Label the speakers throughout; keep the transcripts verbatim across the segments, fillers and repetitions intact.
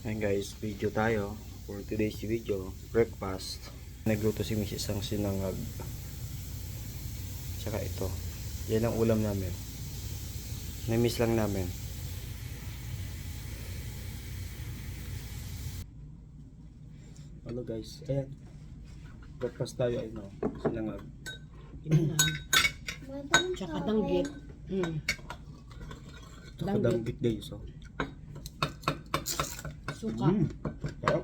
Speaker 1: Ngayon guys, video tayo for today's video, breakfast. Nagluto si Missus ang sinangag. Tsaka ito. Yan ang ulam namin. Na-miss lang namin. Hello guys, ayan. Breakfast tayo ay no, sinangag.
Speaker 2: Pinangan. Tsaka danggit. Mm.
Speaker 1: Tsaka danggit guys, oh.
Speaker 2: Suka.
Speaker 1: Mm. Sarap.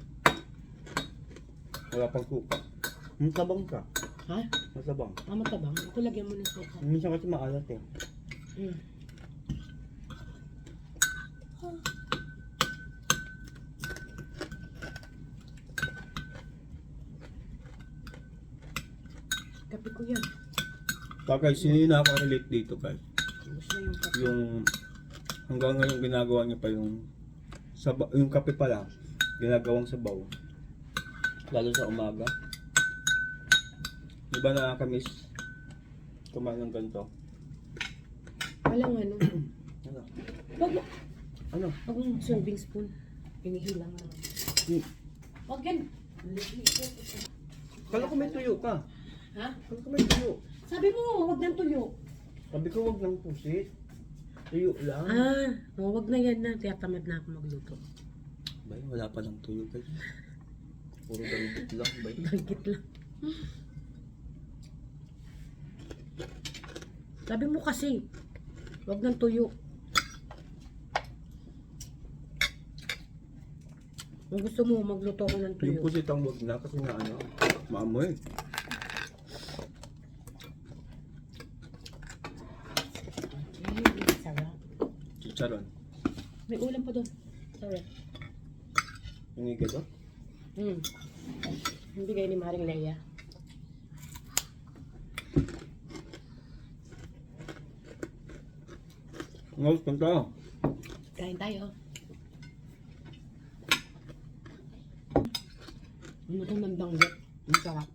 Speaker 1: Wala pang suka. Masabang ka.
Speaker 2: Ha?
Speaker 1: Masabang.
Speaker 2: Ah, matabang. Ito lagyan mo ng suka.
Speaker 1: Minsan kasi maalat eh.
Speaker 2: Mm. Kape ko yan.
Speaker 1: Kaya guys, sino yung nakaka-relate dito guys?
Speaker 2: Gusto na yung kape.
Speaker 1: Yung hanggang ngayon ginagawa niya pa yung saba, yung kape pa lang ginagawang sabaw. Lalo sa umaga. Di ba nakakamiss kumain ng ganito?
Speaker 2: Walang ano.
Speaker 1: Ano?
Speaker 2: Wag mo.
Speaker 1: Ano?
Speaker 2: Wag mong serving spoon. Pinihilang lang.
Speaker 1: Hmm.
Speaker 2: Wag yan.
Speaker 1: Kala ko may tuyo ka.
Speaker 2: Ha?
Speaker 1: Kala ko may tuyo.
Speaker 2: Sabi mo, wag nang tuyo.
Speaker 1: Sabi ko wag ng pusit. Tuyo lang.
Speaker 2: Ah, oh, wag na yan na. Tiyatamad na ako magluto.
Speaker 1: Bay, wala pa ng tuyo guys. Puro dalgit lang, bay.
Speaker 2: Danggit lang. Sabi mo kasi, wag nang tuyo. Kung gusto mo, magluto ko ng tuyo.
Speaker 1: Yung pusit ang wag na kasi na ano, maamoy.
Speaker 2: Okay, sarap.
Speaker 1: Chicharon.
Speaker 2: May ulam pa doon. Sorry.
Speaker 1: Yung iga to?
Speaker 2: Hmm. Hindi kayo ni Maring Leia.
Speaker 1: Ngayon, punta.
Speaker 2: Kain tayo. Ano ito ng danggit? Ang sarap.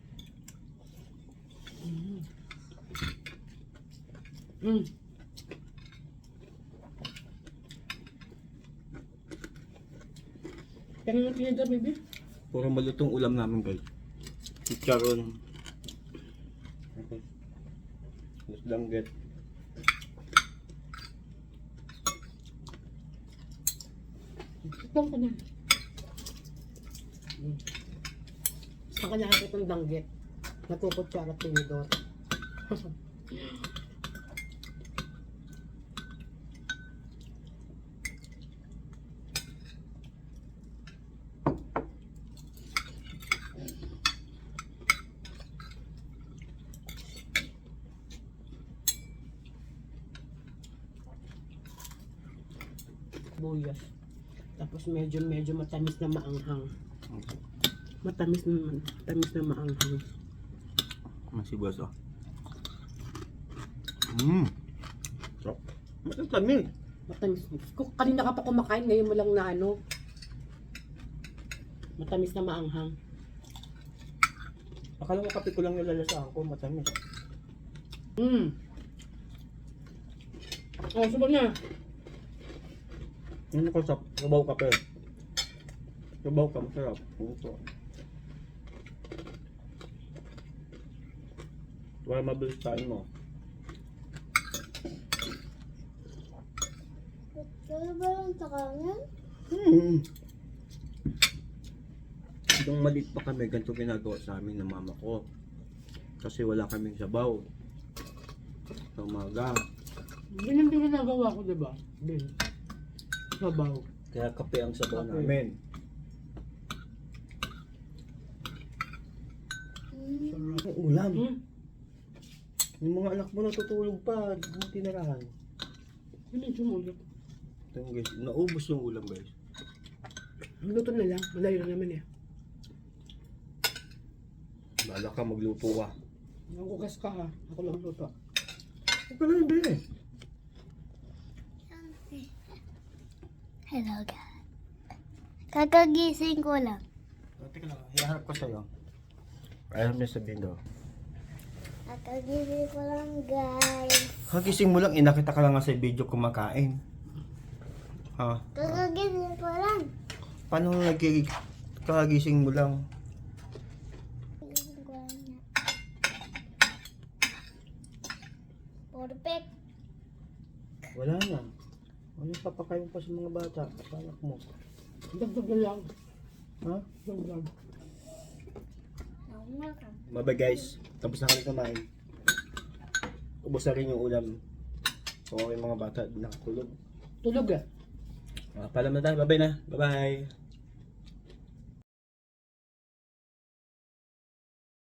Speaker 2: Mm. Mm. Kaya nga tinidor, baby.
Speaker 1: Puro malutong ulam namin guys. Chicharon. Tapos danggit.
Speaker 2: Itong ka na. Mm. Saan ka nakakit ng danggit? Nagkukutsara tinidor. Buyas. Tapos medyo medyo matamis na maanghang. Matamis na matamis na maanghang.
Speaker 1: Masibas oh. Mmm. Sarap. Matamis.
Speaker 2: Matamis. Kung kanina ka pa kumakain, ngayon mo lang na ano. Matamis na maanghang.
Speaker 1: Akala ko kape ko lang nilalasahan ko, matamis.
Speaker 2: Hmm. Oh, subok na.
Speaker 1: Ano ko sa sabaw kape? Sabaw ka, masarap. Ito. Wala mabilis kain mo.
Speaker 3: Kaya ba lang sa kanan?
Speaker 1: Hmm. Nung maliit pa kami, ganito ginagawa sa amin ng mama ko. Kasi wala kaming sabaw. Sa umaga.
Speaker 2: Ganyan din ginagawa ko, diba? Din. Sabaw.
Speaker 1: Kaya kape ang sabaw
Speaker 2: Kape.
Speaker 1: namin.
Speaker 3: Hmm.
Speaker 1: Ang ulam.
Speaker 2: Hmm?
Speaker 1: Yung mga anak mo natutulog pa, di mo tinarahan.
Speaker 2: Hindi sumulog.
Speaker 1: Ito yung guys, naubos yung ulam guys.
Speaker 2: Luto na lang. Malayo na naman eh.
Speaker 1: Bala ka, magluto ka.
Speaker 2: Nakukas ka ha. Ako lang luto.
Speaker 1: Huwag ka lang din eh.
Speaker 3: Hello guys. Kakagising ko lang.
Speaker 1: Oh, teka lang, hiharap ko sa'yo. Ayaw niya sabihin daw.
Speaker 3: Kakagising ko lang guys.
Speaker 1: Kagising mo lang, inakita ka lang nga sa video kumakain. Ha?
Speaker 3: Kakagising ko lang.
Speaker 1: Paano nagkikik kakagising mo lang?
Speaker 3: Gising ko lang na. Perfect.
Speaker 1: Wala na. Ano yung papakain pa sa mga bata? Sa anak mo?
Speaker 2: Dagdag na lang.
Speaker 1: Ha?
Speaker 2: Dagdag.
Speaker 3: Welcome.
Speaker 1: Bye guys. Tapos na kami kumain. Ubos na rin yung ulam. So yung mga bata nakatulog.
Speaker 2: Tulog eh.
Speaker 1: Ah, paalam na tayo. Bye-bye na. Bye-bye.